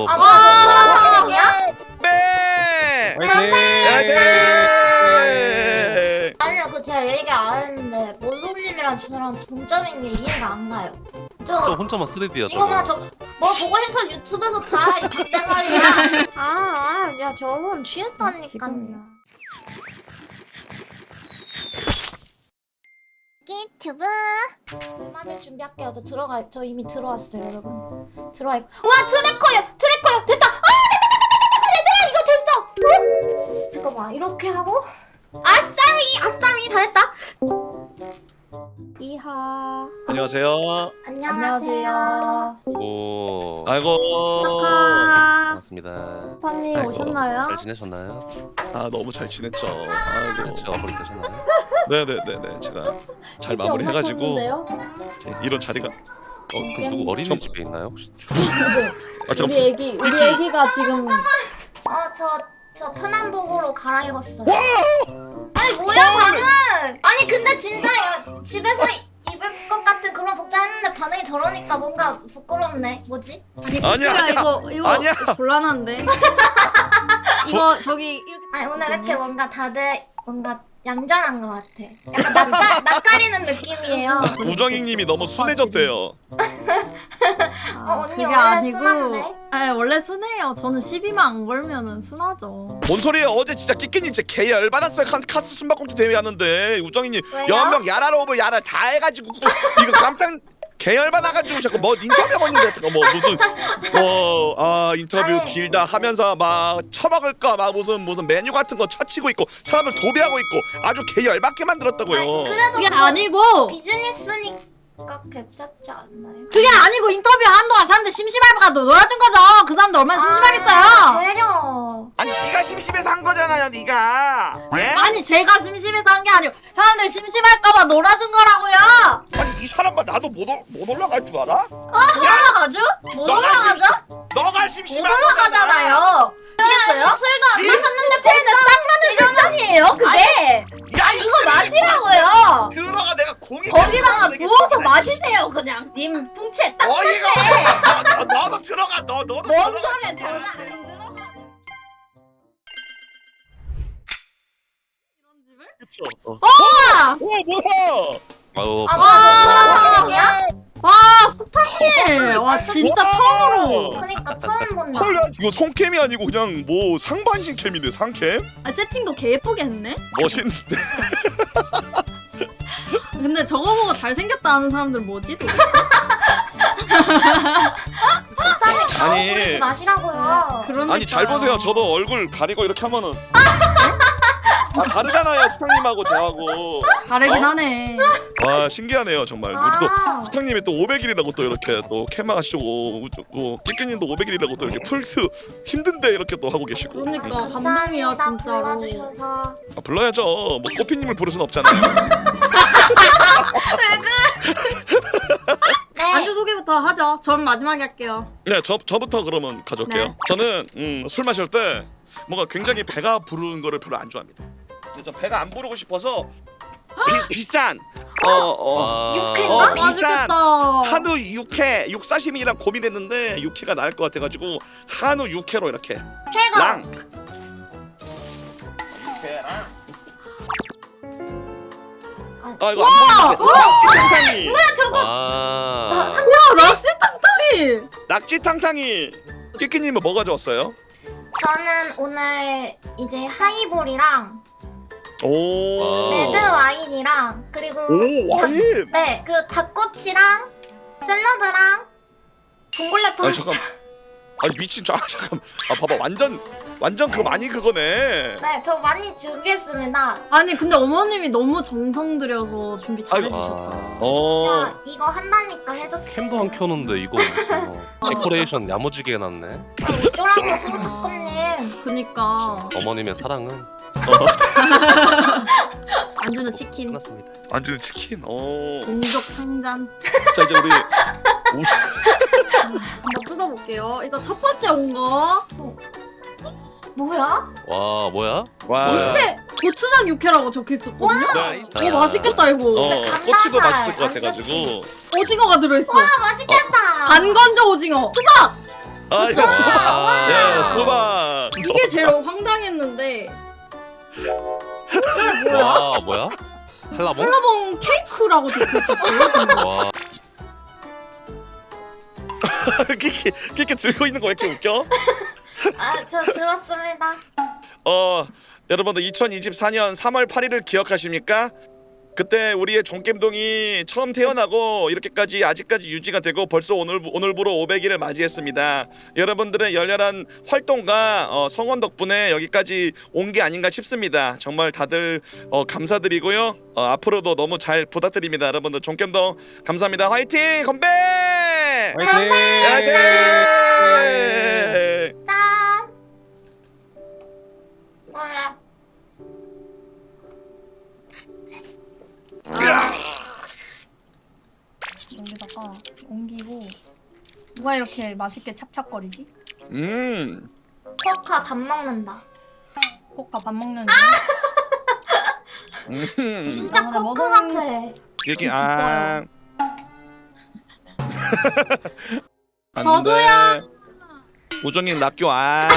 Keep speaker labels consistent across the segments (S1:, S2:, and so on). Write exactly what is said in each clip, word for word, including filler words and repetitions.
S1: 어,
S2: 아,
S1: 뭐-
S2: 뭐야, 저 수락 얘기야?
S3: 네.
S1: 네.
S2: 아니요, 그 제가 얘기 안 했는데 몬소님이랑 저랑 동점인 게 이해가 안 가요.
S1: 또
S2: 저
S1: 혼자만 쓰리디야
S2: 이거 봐,
S1: 저거.
S2: 저뭐 보고 싶어 유튜브에서 봐. 이 반대말이야. 아, 아, 야 저분 취했다니까요.
S4: 지금.
S2: 유튜브 음악을 준비할게요. 저 들어가, 저 이미 들어왔어요, 여러분. 들어와. 있- 와, 트래커요, 트래커요, 됐다. 아, 됐다, 됐다, 됐다, 됐다, 이거 됐어. 잠깐만, 이렇게 하고. 아싸리, 아싸리, 다 됐다.
S4: 이하.
S3: 안녕하세요.
S2: 안녕하세요.
S1: 오.
S3: 아이고.
S4: 카카.
S1: 반갑습니다.
S4: 파님
S3: 아이고,
S4: 오셨나요?
S1: 잘 지내셨나요?
S3: 아 너무 잘 지냈죠. 아이고.
S1: 같이 마무리 되셨나요?
S3: 네네네네. 제가 잘
S4: 이게
S3: 마무리해가지고
S4: 엄청
S3: 이런 자리가.
S1: 어, 그럼 누구 어린이집에 있나요 혹시?
S3: 아 저.
S4: 우리 애기 우리 애기가 지금
S2: 어, 저, 저 편한복으로 갈아입었어요. 아니, 뭐야, 반응! 아니, 근데 진짜 야, 집에서 입을 것 같은 그런 복장 했는데 반응이 저러니까 뭔가 부끄럽네. 뭐지?
S4: 아니
S3: 아니야,
S4: 야
S3: 아니야.
S4: 이거 이거
S3: 아니야.
S4: 곤란한데. 이거 저기 이렇게
S2: 아니, 오늘 왜 이렇게 뭔가 다들 뭔가 얌전한 것 같아. 약간 낯가, 낯가리는 느낌이에요.
S3: 우정이님이 너무 순해졌대요.
S2: 어, 언니
S4: 그게
S2: 원래
S4: 아니고
S2: 순한데?
S4: 아 원래 순해요. 저는 시비만 안 걸면은 순하죠.
S3: 뭔 소리예요? 어제 진짜 끼끼님 진짜 개 열받았어요. 칸- 카스 숨바꼭질 대회 하는데 우정이님
S2: 왜요?
S3: 연명 야라로 오버 야라 다 해가지고 이거 깜짝 개 열받아가지고 자꾸 뭐 인터뷰 보는데 뭐 무슨 뭐아 인터뷰
S2: 아니.
S3: 길다 하면서 막 처먹을까 막 무슨 무슨 메뉴 같은 거 쳐치고 있고 사람을 도배하고 있고 아주 개 열받게 만들었다고요.
S2: 아니, 그래도
S4: 그게
S2: 그거
S4: 아니고
S2: 비즈니스니까 괜찮지 않나요?
S4: 그게 아니고 인터뷰 한동안 사람들 심심할까 놀아준 거죠. 그 사람들 얼마나 심심하겠어요.
S2: 아, 배려.
S3: 아니 네가 심심해서 한 거잖아요, 네가. 예?
S4: 아니 제가 심심해서 한 게 아니고 사람들 심심할까봐 놀아준 거라고요.
S3: 아니 이 사람만 나도 못, 올- 못 올라갈 줄 알아?
S4: 올라가죠? 못
S3: 너가
S4: 올라가죠?
S3: 너가
S4: 못
S3: 심심한
S4: 올라가잖아요. 아시겠어요?
S2: 술도 안
S3: 이-
S2: 마셨는데
S4: 쟤는 딱 맞는 술잔이에요 그게.
S3: 야
S4: 이거 마시라고요.
S3: 들어가 내가 공이
S4: 거기다가 부어서 마시세요 그냥. 님 풍채 딱
S3: 어이가 없어. 너, 너, 너도 들어가. 너 너도
S4: 뭔
S3: 들어가.
S4: 소리야 장난 안 들어가. 이런 집을?
S3: 그쵸.
S4: 와!
S3: 어 뭐야?
S1: 아유.
S2: 아, 뭐야, 저 술한 얘기야?
S4: 와 스타일. 와 진짜
S3: 와!
S4: 처음으로.
S2: 그니까 처음 본다.
S3: 헐, 야, 이거 송캠이 아니고 그냥 뭐 상반신 캠인데 상캠?
S4: 아, 세팅도 개 예쁘게 했네.
S3: 멋있는데.
S4: 근데 저거 보고 잘생겼다는 사람들 뭐지 도대체?
S2: 일단은 가오
S3: 아니.
S2: 부리지 마시라고요.
S4: 그러니까.
S3: 아니 잘 보세요. 저도 얼굴 가리고 이렇게 하면은 아 다르잖아요, 수탁님하고 저하고.
S4: 다르긴
S3: 어?
S4: 하네.
S3: 와 신기하네요 정말. 우리도
S2: 아,
S3: 수탁님이 또 오백 일이라고 또 이렇게 또 캠마 하시고 또 끼끼님도 오백 일이라고 또 이렇게 풀스 힘든데 이렇게 또 하고 계시고.
S4: 그러니까
S3: 응.
S4: 감동이야
S2: 감사합니다.
S4: 진짜로.
S2: 불러주셔서.
S3: 아, 불러야죠. 뭐 꼬피님을 부를 순 없잖아요.
S2: 네.
S4: 안주 소개부터 하죠. 전 마지막에 할게요.
S3: 네, 저 저부터 그러면 가져올게요.
S4: 네.
S3: 저는 음, 술 마실 때 뭔가 굉장히 배가 부르는 거를 별로 안 좋아합니다. 근데 저 배가 안 부르고 싶어서 비, 비싼 어, 어,
S1: 아.
S2: 육회인가?
S3: 어, 비싼
S4: 맛있겠다.
S3: 한우 육회 육사시미랑 고민했는데 육회가 나을 것 같아가지고 한우 육회로 이렇게
S2: 최고.
S3: 랑 육회랑 아 이거 안 보이는데 낙지탕탕이
S1: 아.
S4: 야 낙지탕탕이.
S3: 낙지탕탕이 끼끼님은 뭐 가져왔어요?
S2: 저는 오늘 이제 하이볼이랑
S3: 오,
S1: 와.
S2: 레드 와인이랑 그리고
S3: 오 와인.
S2: 네 그리고 닭꼬치랑 샐러드랑 봉골레
S3: 아니
S2: 파스타.
S3: 잠깐. 아니 미친 저 아, 잠깐. 아 봐봐 완전 완전 그 많이 그거네.
S2: 네, 저 많이 준비했습니다.
S4: 아니 근데 어머님이 너무 정성 들여서 준비 잘
S3: 아이고.
S4: 해주셨다.
S3: 어.
S2: 야, 이거 한다니까 해줬어.
S1: 캠도 안 켜는데 이거 무슨 데코레이션 야무지게 해놨네.
S2: 어쩌라고 수석학급님.
S4: 그니까
S1: 어머님의 사랑은
S4: 안주는 치킨.
S1: 끝났습니다.
S3: 안주는 치킨. 어.
S4: 동족 상잔.
S3: 자 이제 우리 우수.
S4: 한번 뜯어볼게요. 일단 첫 번째 온 거.
S2: 뭐야?
S1: 와 뭐야?
S3: 와.
S4: 육회 고추장 육회라고 적혀 있었거든요.
S3: 네.
S4: 오 맛있겠다 이거.
S3: 어.
S2: 감자살,
S3: 꼬치도 맛있을 것
S2: 안주.
S3: 같아가지고.
S4: 오징어가 들어있어.
S2: 와 맛있겠다.
S4: 안 건져 오징어. 수박.
S3: 아 이거 수박. 예 수박.
S4: 이게 제일 황당했는데 이게 뭐야?
S1: 와 뭐야? 한라봉?
S4: 한라봉 케이크라고 적혀있었어요.
S1: 와
S3: 끼끼 끼끼 들고 있는 거 왜 이렇게 웃겨?
S2: 아, 저 들었습니다.
S3: 어 여러분들 이천이십사 년 삼월 팔일을 기억하십니까? 그때 우리의 종겜동이 처음 태어나고 이렇게까지 아직까지 유지가 되고 벌써 오늘 오늘부로 오백 일을 맞이했습니다. 여러분들의 열렬한 활동과 어, 성원 덕분에 여기까지 온 게 아닌가 싶습니다. 정말 다들 어, 감사드리고요. 어, 앞으로도 너무 잘 부탁드립니다. 여러분들 종겜동 감사합니다. 화이팅! 건배!
S1: 화이팅!
S3: 화이팅!
S2: 짠. 뭐야?
S4: 여기다가 옮기고 누가 이렇게 맛있게 찹찹거리지?
S3: 음.
S2: 포카 밥 먹는다.
S4: 포카 밥 먹는
S3: 음.
S2: 진짜
S4: 아,
S2: 코코
S4: 먹은-
S2: 같아.
S3: 여기 아. 안
S4: 저도요.
S3: 돼. 우정님 낙교 아.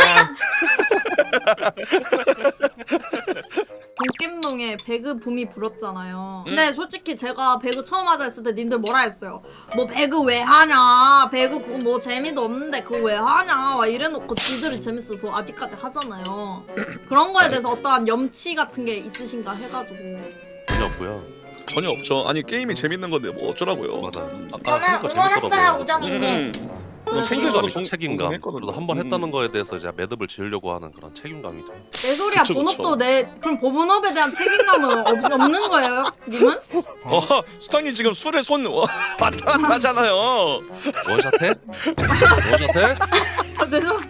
S4: 종겜동에 배그 붐이 불었잖아요.
S3: 음.
S4: 근데 솔직히 제가 배그 처음 하자 했을 때 님들 뭐라 했어요? 뭐 배그 왜 하냐? 배그 그거 뭐 재미도 없는데 그거 왜 하냐? 막 이래놓고 지들이 재밌어서 아직까지 하잖아요. 그런 거에 대해서 어떠한 염치 같은 게 있으신가 해가지고.
S1: 전혀 없고요.
S3: 전혀 없죠. 아니 게임이 재밌는 건데 뭐 어쩌라고요.
S1: 맞아. 아까
S2: 저는
S1: 하니까
S2: 응원했어요,
S1: 재밌더라고요.
S2: 우정이님.
S3: 음.
S1: 책임감이죠. 책임감.
S3: 했거든요.
S1: 그래도 한 번
S3: 음.
S1: 했다는 거에 대해서 이제 매듭을 지으려고 하는 그런 책임감이죠.
S4: 내 소리야.
S3: 그쵸, 그쵸.
S4: 본업도 내 그럼 본업에 대한 책임감은 없, 없는 거예요, 님은?
S3: 어, 수탁님 지금 술에 손 와, 왔다 갔다 하잖아요.
S1: 원샷해? 원샷해?
S4: 아 죄송.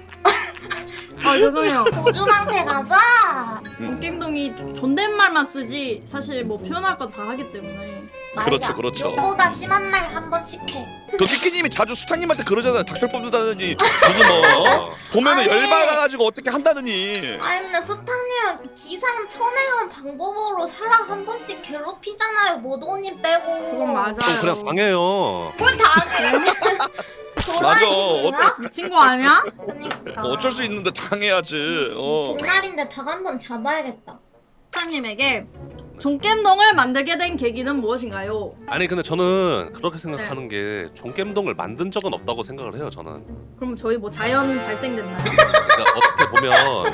S4: 아 죄송해요.
S2: 고주망태 가자.
S4: 종겜동이 존댓말만 쓰지 사실 뭐 표현할 건 다 하기 때문에.
S3: 그렇죠, 그렇죠.
S2: 욕보다 심한 말 한 번씩 해.
S3: 그 끼끼님이 자주 수탁님한테 그러잖아요. 닥터 뽑는다더니 무슨 뭐 어? 보면은
S2: 아니.
S3: 열받아가지고 어떻게 한다더니.
S2: 아니 근데 수탁님은 기상천외한 방법으로 사람 한 번씩 괴롭히잖아요. 모도님 빼고.
S4: 그건 맞아요.
S1: 그럼 그냥 당해요.
S2: 뭘 당해?
S3: 맞아.
S2: 도라이신가?
S4: 미친 거 아니야?
S2: 그러니까.
S3: 뭐 어쩔 수 있는데 당해야지. 어.
S2: 그날인데 닭 한 번 잡아야겠다.
S4: 사장님에게 종겜동을 만들게 된 계기는 무엇인가요?
S1: 아니 근데 저는 그렇게 생각하는 게 종겜동을 만든 적은 없다고 생각을 해요. 저는.
S4: 그럼 저희 뭐 자연 발생됐나요?
S1: 그러니까 어떻게 보면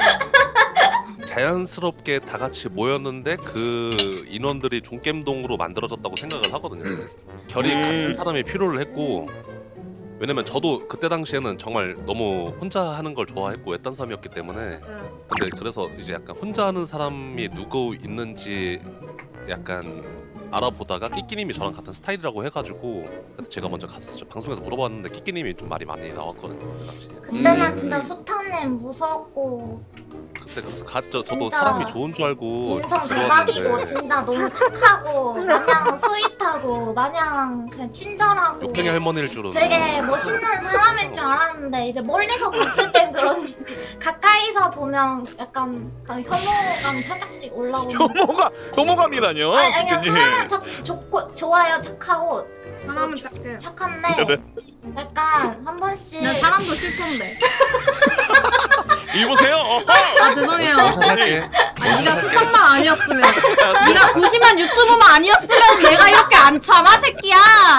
S1: 자연스럽게 다 같이 모였는데 그 인원들이 종겜동으로 만들어졌다고 생각을 하거든요. 결이
S3: 음.
S1: 같은 사람이 필요를 했고, 왜냐면 저도 그때 당시에는 정말 너무 혼자 하는 걸 좋아했고 외딴삼이었기 때문에. 근데 그래서 이제 약간 혼자 하는 사람이 누구 있는지 약간 알아보다가 끼끼님이 저랑 같은 스타일이라고 해가지고 그때 제가 먼저 갔었죠. 방송에서 물어봤는데 끼끼님이 좀 말이 많이 나왔거든요 그 당시에.
S2: 근데 난
S3: 음.
S2: 진짜 수탁님 무섭고
S1: 그때 그래서 갔죠. 저도
S2: 진짜
S1: 사람이 좋은 줄 알고
S2: 인성
S1: 들어왔는데
S2: 대박이고 진짜 너무 착하고 마냥 스윗하고 마냥 그냥 친절하고
S1: 욕쟁이 할머니일 줄은.
S2: 되게 멋있는 사람일 줄 알았는데 이제 멀리서 봤을 땐 그런 가까이서 보면 약간 혐오감이 살짝씩 올라오는.
S3: 혐오가 혐오감이라뇨.
S2: 아니 아니
S3: 끼끼님.
S2: 사람은 착, 좋고 좋아요 착하고
S4: 사람은
S2: 저-
S4: 착해.
S2: 착한데 약간 한 번씩
S4: 난 사람도 싫던데.
S3: 이보세요. 어.
S4: 아 죄송해요.
S1: 원샷할게.
S4: 아, 네가 스탑만 아니었으면, 네가 구십만 유튜버만 아니었으면 내가 이렇게 안 참아 새끼야.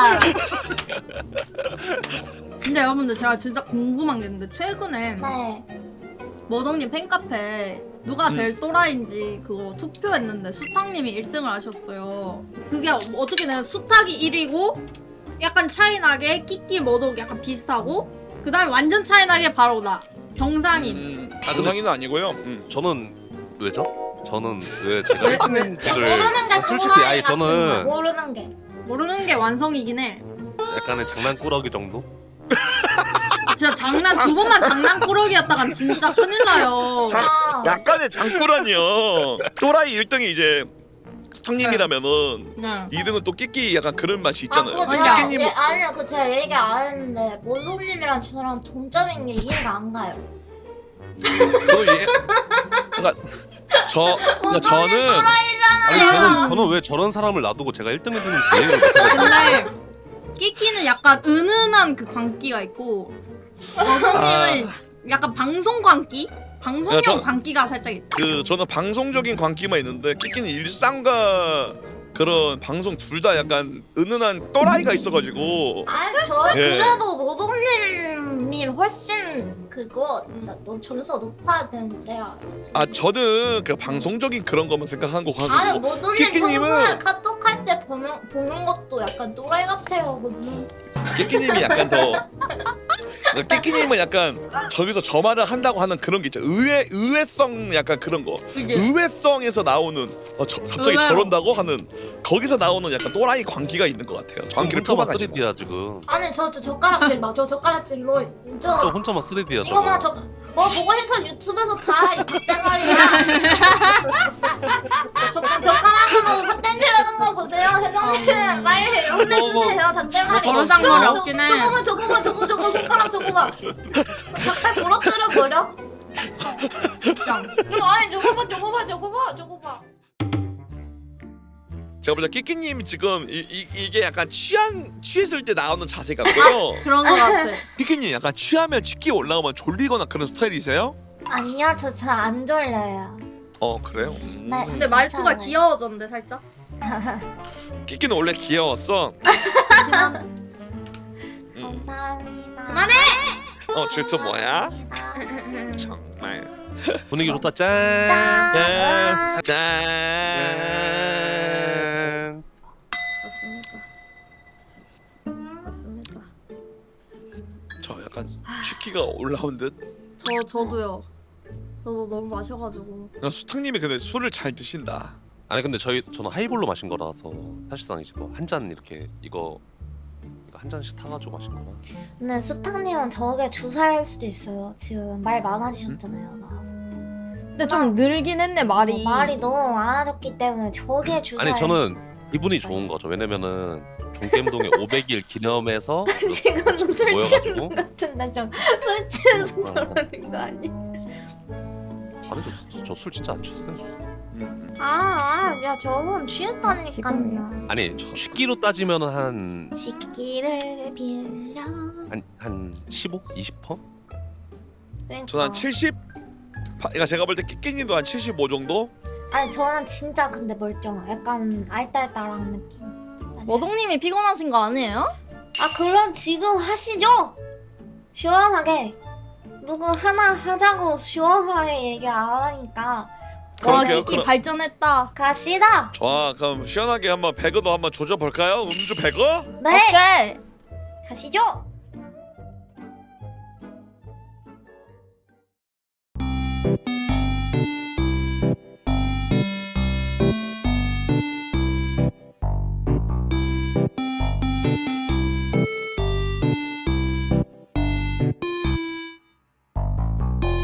S4: 근데 여러분들 제가 진짜 궁금한 게 있는데 최근에
S2: 네.
S4: 머동님 팬카페 누가 제일 또라이인지 그거 투표했는데 수탁님이 일 등을 하셨어요. 그게 어떻게 되면 수탁이 일 위고 약간 차이나게 끼끼 머독 약간 비슷하고 그 다음에 완전 차이나게 바로 나 정상인.
S3: 음,
S1: 아, 근데-
S3: 정상인은 아니고요. 음.
S1: 저는 왜죠? 저는 왜 제가
S4: 왜-
S1: 일 등인지를
S2: 모르는 게
S1: 솔직히
S2: 또라이
S1: 아니
S2: 같은 거
S1: 저는
S2: 모르는 게
S4: 모르는 게 완성이긴 해.
S1: 약간의 장난꾸러기 정도?
S4: 진짜 장난 두 번만 장난꾸러기였다간 진짜 큰일 나요.
S2: 아,
S3: 약간의 장꾸라니요. 또라이 일 등이 이제 수탁님이라면은
S4: 네.
S3: 이 등은 또 끼끼 약간 그런 맛이 있잖아요.
S2: 아, 그거
S4: 아니야.
S2: 제가,
S3: 끼끼님
S2: 예, 아니요, 그 제가 얘기 안 했는데 모소님이랑 저랑 동점인 게 이해가 안 가요.
S3: 저도 예. 그러니까 저 그러니까 저는
S1: 아니 저는 저는 왜 저런 사람을 놔두고 제가 일 등 해주는지 이해를 못하겠어요.
S4: 근데 끼끼는 약간 은은한 그 광기가 있고 머동님은 약간 방송 광기? 방송용
S3: 야, 저-
S4: 광기가 살짝 있다.
S3: 그 저는 방송적인 광기만 있는데 끼끼는 일상과 그런 방송 둘 다 약간 은은한 또라이가 있어가지고
S2: 아니 저
S3: 예.
S2: 그래도 모동님이 훨씬 그거 나- 너 점수가 높아야 되는데요.
S3: 아 저는 그 방송적인 그런 것만 생각한 거
S2: 아니
S3: 가지고
S2: 모동님
S3: 끼끼님은-
S2: 평소에 카톡 할 때 보면 보는 것도 약간 또라이 같아요, 모동.
S3: 끼끼님이 약간 더 끼끼님은 약간 저기서 저 말을 한다고 하는 그런 게 있죠. 의외 의외성 약간 그런 거.
S4: 그게
S3: 의외성에서 나오는 어, 저, 갑자기
S4: 의외로.
S3: 저런다고 하는 거기서 나오는 약간 또라이 광기가 있는 것 같아요. 광기를
S1: 혼자만
S3: 뽑아가지고.
S1: 쓰리디야 지금.
S2: 아니 저, 저 젓가락질 마, 저 젓가락질로
S1: 저
S2: 저
S1: 혼자만 쓰리디야
S2: 이거 봐,
S1: 저거.
S2: 저 뭐 보고 싶은 유튜브에서 다 닭대가리야. 저 젓가락으로 삿댄질하는 거 보세요, 회장님. 빨리 혼내주세요, 닭대가리.
S4: 버르장머리
S2: 저거,
S4: 없긴 해.
S2: 저거 봐, 저거 봐, 저거 저거 손가락 저거 봐. 닭발 부러뜨려 버려.
S4: 진짜.
S2: 아니 저거 봐, 저거 봐, 저거 봐, 저거 봐.
S3: 제가 볼때 끼끼님 지금 이, 이, 이게 약간 취한 취했을 때 나오는 자세 같고요.
S4: 그런 거 같아.
S3: 끼끼님 약간 취하면 치기 올라오면 졸리거나 그런 스타일이세요?
S2: 아니요, 저 잘 안 졸려요.
S3: 어 그래요? 음.
S2: 네.
S4: 근데 말투가
S2: 괜찮아요.
S4: 귀여워졌는데 살짝.
S3: 끼끼는 원래 귀여웠어.
S4: 하지만
S3: 음.
S2: 감사합니다.
S4: 그만해!
S3: 어 질투 뭐야?
S2: 감사합니다.
S3: 정말.
S1: 분위기 좋다 짠.
S2: 짠.
S3: 짠. 짠.
S4: 맞습니다. 맞습니다.
S3: 저 약간 취기가 올라온 듯.
S4: 저 저도요. 저도 너무 마셔가지고.
S3: 야, 수탁님이 근데 술을 잘 드신다.
S1: 아니 근데 저희 저는 하이볼로 마신 거라서 사실상 이제 뭐 한 잔 이렇게 이거 이거 한 잔씩 타가지고 마신 거라.
S2: 근데 수탁님은 저게 주사일 수도 있어요. 지금 말 많아지셨잖아요. 막.
S4: 근데 좀 늘긴 했네 말이.
S2: 어, 말이 너무 많아졌기 때문에 저게 주사일
S1: 아니 저는
S2: 수-
S1: 기분이 좋은 거죠. 왜냐면은 종겜동의 오백 일 기념해서
S2: 지금 술
S1: 모여가지고?
S2: 취한 것 같은데 좀술 취해서 저러는 거 아니?
S1: 아니 저 술 진짜 안 취했어요.
S3: 음.
S2: 아, 아, 야 저분 취했다니까요.
S4: 지금요.
S1: 아니 취기로 따지면은 한
S2: 식기를 빌려.
S1: 한, 한 십오? 이십 퍼?
S2: 그러니까.
S3: 저는 한 칠십? 파- 그러니까 제가 볼 때 끼끼님도 한 칠십오 정도?
S2: 아니 저는 진짜 근데 멀쩡해. 약간 알딸딸한 느낌. 아니.
S4: 머동님이 피곤하신 거 아니에요?
S2: 아 그럼 지금 하시죠. 시원하게. 누구 하나 하자고 시원하게 얘기 안 하니까
S4: 와
S3: 그럴게요,
S4: 끼끼
S3: 그럼.
S4: 발전했다.
S2: 갑시다.
S3: 좋아 그럼 시원하게 한번 배그도 한번 조져볼까요? 음주 배그?
S2: 네,
S4: 오케이.
S2: 가시죠.